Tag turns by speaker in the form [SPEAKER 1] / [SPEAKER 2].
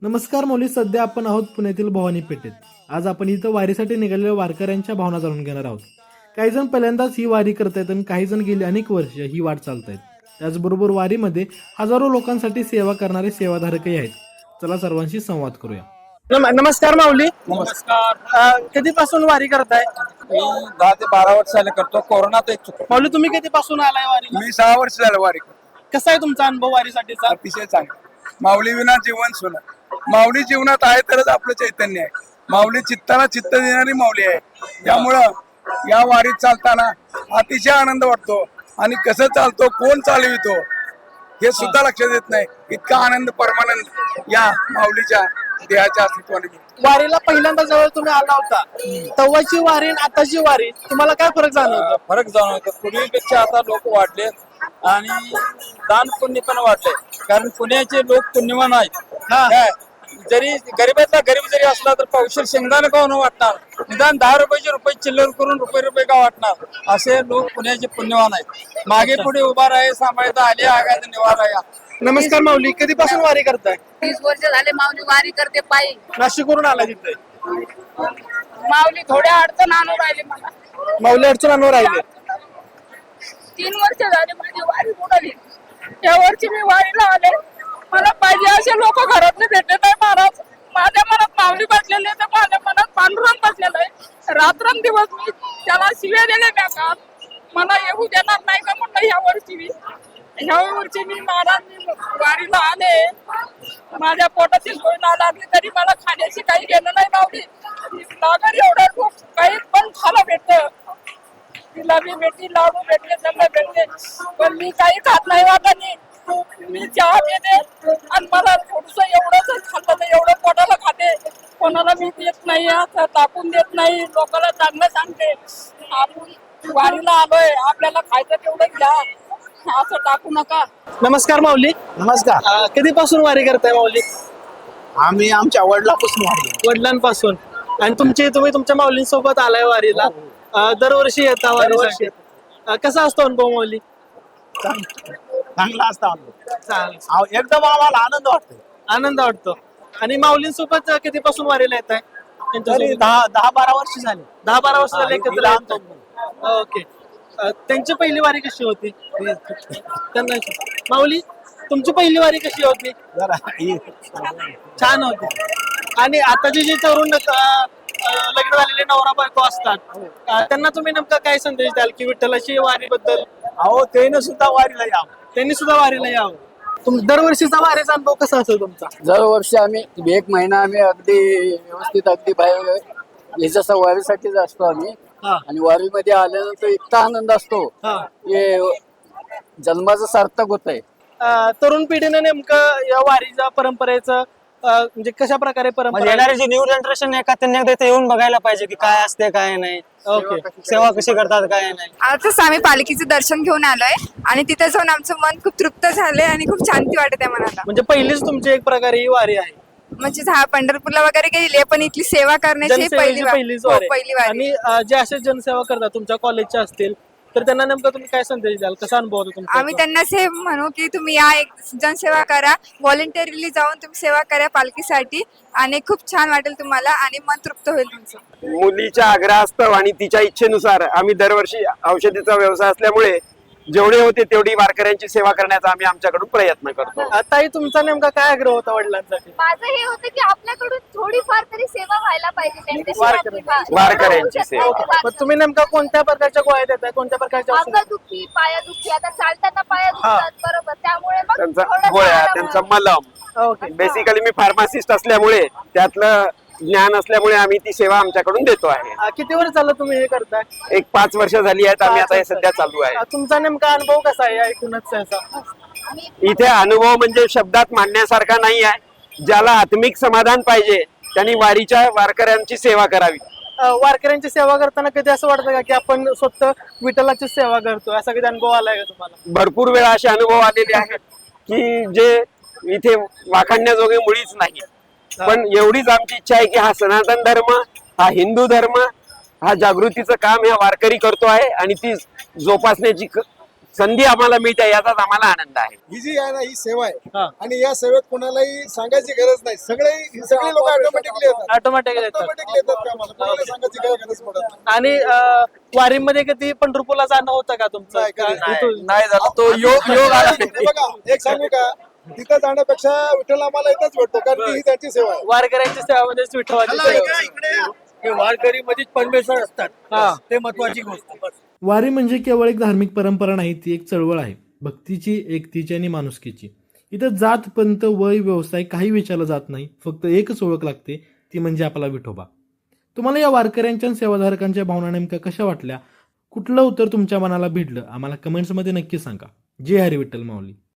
[SPEAKER 1] नमस्कार मौली. सध्या आपण आहोत पुण्यातील भवानी पेठेत. आज आपण इथं वारीसाठी निघालेल्या वारकऱ्यांच्या भावना जाणून घेणार आहोत. काही जण पहिल्यांदाच ही वारी करतायत आणि काही जण गेली अनेक वर्ष ही वाट चालतायत. त्याचबरोबर वारीमध्ये हजारो लोकांसाठी सेवा करणारे सेवाधारकही आहेत. चला सर्वांशी संवाद करूया.
[SPEAKER 2] नमस्कार माऊली.
[SPEAKER 3] नमस्कार.
[SPEAKER 2] कधीपासून वारी करताय?
[SPEAKER 3] मी 10 ते 12 वर्ष झाले करतो. कोरोनात एक चुकलो.
[SPEAKER 2] माऊली, तुम्ही कधीपासून आलाय वारीला?
[SPEAKER 3] मी 6 वर्ष झालं वारी करतो.
[SPEAKER 2] कसा आहे तुमचा अनुभव वारीसाठीचा?
[SPEAKER 3] अतिशय चांगला. माऊली विना जीवन सुना. माऊली जीवनात आहे तरच आपलं चैतन्य आहे. माऊली चित्ताला चित्त देणारी माऊली आहे. त्यामुळं या वारीत चालताना अतिशय आनंद वाटतो आणि कसं चालतो, कोण चालवितो हे सुद्धा लक्षात येत नाही. इतका आनंद परमानंद या माऊलीच्या देहाच्या अस्तित्वाने मिळतो.
[SPEAKER 2] वारीला पहिल्यांदा जवळ तुम्ही आला होता, तेव्हाची वारी आणि आताची वारी तुम्हाला काय फरक जाणवतो?
[SPEAKER 4] फरक जाणवतो. पूर्वीपेक्षा आता लोक वाढले आणि दान पुण्य पण वाढले. कारण पुण्याचे लोक पुण्यवान आहेत. काय जरी गरीबातला गरीब जरी असला तर पावशेर शेंगदाणा का न वाटणार, निदान 10 रुपयाचे रुपये चिल्लर करून रुपये का वाटणार, असे लोक पुण्याचे पुण्यवान आहेत. मागे पुढे उभा राहे, सांभाळता आले आगायचा निवारा या.
[SPEAKER 2] नमस्कार माऊली, कधीपासून वारी करताय?
[SPEAKER 5] 30 वर्ष झाले माऊली वारी करते पायी.
[SPEAKER 2] नाशिकवरून आला तिथे.
[SPEAKER 5] माऊली थोड्या अडचण आणून राहिली मला.
[SPEAKER 2] माऊली अडचण आणून राहिले.
[SPEAKER 5] 3 वर्ष झाले माझी वारी बुडाली. या वर्षी मी वारीला आले. मला पाहिजे असे लोक घरातले भेटले नाही महाराज. माझ्या मनात माऊली बसलेले तर माझ्या मनात पांडुरंग बसलेलं आहे. रात्रंदिवस मी त्याला शिव्या दिले का मला येऊ देणार नाही का म्हणलं. ह्या वर्षी मी महाराज मी वारीला आले. माझ्या पोटाची सोय ना लागली तरी मला खाण्याची काही घेणं नाही लावली. लागल एवढं खूप काही पण खायला भेटतं. जिलाबी भेटली, लाडू भेटले, जमलं भेटले, पण मी काही खात नाही वाटाने. मी चहा पिते आणि मला थोडस एवढंच खाल्लं तर एवढं पोटाला खाते. कोणाला मी देत नाही, असं टाकून देत नाही. लोकांना चांगलं सांगते. आपण वारीला आलोय, आपल्याला खायचं तेवढं घ्या, असं टाकू नका.
[SPEAKER 2] नमस्कार माऊली.
[SPEAKER 6] नमस्कार.
[SPEAKER 2] कधीपासून वारी करताय माऊली?
[SPEAKER 6] आम्ही आमच्या वडिलापासून वाढलो.
[SPEAKER 2] वडिलांपासून. आणि तुम्ही तुमच्या माऊलींसोबत आलाय वारीला. दरवर्षी येता वारीसाठी. कसा असतो अनुभव माऊली?
[SPEAKER 6] चांगला असता
[SPEAKER 2] चालेल.
[SPEAKER 6] एकदम आम्हाला आनंद वाटतो.
[SPEAKER 2] आनंद वाटतो. आणि माऊलींसोबत कधीपासून वारीला येत आहे?
[SPEAKER 6] तरी 10-12 वर्ष झाली.
[SPEAKER 2] 10-12 वर्ष झाले एकत्र
[SPEAKER 6] हा,
[SPEAKER 2] येताय. ओके. त्यांची पहिली वारी कशी होती? त्यांना माऊली, तुमची पहिली वारी कशी होती?
[SPEAKER 6] जरा
[SPEAKER 2] छान होती. आणि आताचे जे तरुण लग्न झालेले नवरा बायको असतात, त्यांना तुम्ही नेमका काय संदेश द्याल की विठ्ठलाची वारीबद्दल?
[SPEAKER 6] अहो त्यानं सुद्धा वारीला यावं.
[SPEAKER 2] त्यांनी सुद्धा वारीला यावं. दरवर्षीचा वारीचा अनुभव कसा असेल तुमचा?
[SPEAKER 4] दरवर्षी आम्ही 1 महिना आम्ही अगदी व्यवस्थित अगदी बाहेर याच्या वारीसाठीच असतो आम्ही.
[SPEAKER 2] हा.
[SPEAKER 4] आणि वारीमध्ये आल्यानंतर इतका आनंद असतो
[SPEAKER 2] हा.
[SPEAKER 4] की जन्माचं सार्थक होत आहे.
[SPEAKER 2] तरुण पिढीनं नेमकं या वारीच्या परंपरेचं म्हणजे कशा प्रकारे परंपरा
[SPEAKER 7] येणारे जे न्यू जनरेशन आहे का त्यांनी एकदा इथे येऊन बघायला पाहिजे की काय असते काय नाही,
[SPEAKER 2] ओके
[SPEAKER 7] सेवा कशी करतात काय नाही.
[SPEAKER 8] आजच आम्ही पालखीचं दर्शन घेऊन आलोय आणि तिथे जाऊन आमचं मन खूप तृप्त झालंय आणि खूप शांती वाटत आहे मनाला.
[SPEAKER 2] म्हणजे पहिलीच तुमची एक प्रकारे ही वारी आहे.
[SPEAKER 8] म्हणजे हा पंढरपूरला वगैरे गेली आहे पण इथली सेवा करण्याची ही
[SPEAKER 2] जनसेवेची पहिलीच
[SPEAKER 8] हो,
[SPEAKER 2] वारी
[SPEAKER 8] पहिली
[SPEAKER 2] आहे.
[SPEAKER 8] वारी.
[SPEAKER 2] आणि जे असे जनसेवा करतात तुमच्या कॉलेजचे असतील तर त्यांना नेमकं तुम्ही काय संदेश द्याल? कसा अनुभव होतो तुमचा?
[SPEAKER 8] आम्ही त्यांना हे म्हणू की तुम्ही या एक जनसेवा करा, व्हॉलेंटरीली जाऊन तुम्ही सेवा करा पालखीसाठी आणि खूप छान वाटेल तुम्हाला आणि मन तृप्त होईल तुमचं.
[SPEAKER 9] मुलीच्या आग्रहास्तव आणि तिच्या इच्छेनुसार आम्ही दरवर्षी औषधीचा व्यवसाय असल्यामुळे जेवढे होते तेवढी वारकऱ्यांची सेवा करण्याचा आम्ही आमच्याकडून प्रयत्न करतो.
[SPEAKER 2] ताई, तुमचा नेमका काय आग्रह होता वडिलांसाठी?
[SPEAKER 10] माझं हे होतं की आपल्याकडून थोडीफार तरी सेवा व्हायला पाहिजे
[SPEAKER 9] वारकऱ्यांची सेवा.
[SPEAKER 2] मग तुम्ही नेमका कोणत्या प्रकारच्या गोळ्या देताय? कोणत्या प्रकारच्या औषधं?
[SPEAKER 10] अंगदुखी, पायादुखी, आता चालताना पाया दुखतात बरोबर, त्यामुळे मग
[SPEAKER 9] त्यांचा
[SPEAKER 10] थोडंसं
[SPEAKER 9] गोळ्या,
[SPEAKER 10] आराम
[SPEAKER 9] त्यांचा मलम.
[SPEAKER 2] ओके.
[SPEAKER 9] बेसिकली मी फार्मासिस्ट असल्यामुळे त्यातलं ज्ञान असल्यामुळे आम्ही ती सेवा आमच्याकडून देतो आहे.
[SPEAKER 2] किती वर्ष झालं तुम्ही हे करताय?
[SPEAKER 9] एक 5 वर्ष झाली आहेत आम्ही आता हे सध्या चालू आहे.
[SPEAKER 2] तुमचा नेमका अनुभव कसा आहे ऐकूनच याचा?
[SPEAKER 9] इथे अनुभव म्हणजे शब्दात मांडण्यासारखा नाही आहे. ज्याला आत्मिक समाधान पाहिजे त्यांनी वारकऱ्यांची सेवा करावी.
[SPEAKER 2] वारकऱ्यांची सेवा करताना कधी असं वाटतं का की आपण स्वतः विठ्ठलाची सेवा करतो? असा कधी अनुभव आलाय का तुम्हाला?
[SPEAKER 9] भरपूर वेळा असे अनुभव आलेले आहेत की जे इथे वाखाणण्याजोगे मुळीच नाही. पण एवढीच आमची इच्छा आहे की हा सनातन धर्म, हा हिंदू धर्म, हा जागृतीचं काम ह्या वारकरी करतो आहे आणि ती जोपासण्याची संधी आम्हाला मिळते याचाच आम्हाला आनंद आहे.
[SPEAKER 11] ही जी आहे ना ही सेवा आहे
[SPEAKER 2] हा.
[SPEAKER 11] आणि या सेवेत कोणालाही सांगायची गरज नाही. सगळे लोक ऑटोमॅटिकली येतात
[SPEAKER 2] ऑटोमॅटिक येतात
[SPEAKER 11] ऑटोमॅटिकली येतात कामाला. कोणाला सांगायची काय गरज पडत नाही.
[SPEAKER 2] आणि वारीमध्ये कधी पंढरपूरला जाणं होतं का तुमचं
[SPEAKER 11] नाही, कधी
[SPEAKER 2] का- इथून-
[SPEAKER 4] नाही झालं तो योग आला
[SPEAKER 11] हे बघा एक सांगू का, तिथं जाण्यापेक्षा विठ्ठल आम्हाला इथंच भेटतो कारण की ही त्यांची सेवा आहे.
[SPEAKER 2] वारकऱ्यांच्या सेवामध्ये विठ्ठलाची सेवा.
[SPEAKER 6] वारकरी मध्येच परमेश्वर असतात
[SPEAKER 2] हा.
[SPEAKER 6] ते महत्वाची गोष्ट बस.
[SPEAKER 1] वारी म्हणजे केवळ एक धार्मिक परंपरा नाही, ती एक चळवळ आहे. भक्तीची, एकतेची आणि माणुसकीची. इथं जात, पंत, वय, व्यवसाय काही विचारलं जात नाही. फक्त एकच ओळख लागते, ती म्हणजे आपला विठोबा. तुम्हाला या वारकऱ्यांच्या आणि सेवाधारकांच्या भावना नेमक्या कशा वाटल्या? कुठलं उत्तर तुमच्या मनाला भिडलं? आम्हाला कमेंट्समध्ये नक्की सांगा. जय हरी विठ्ठल माऊली.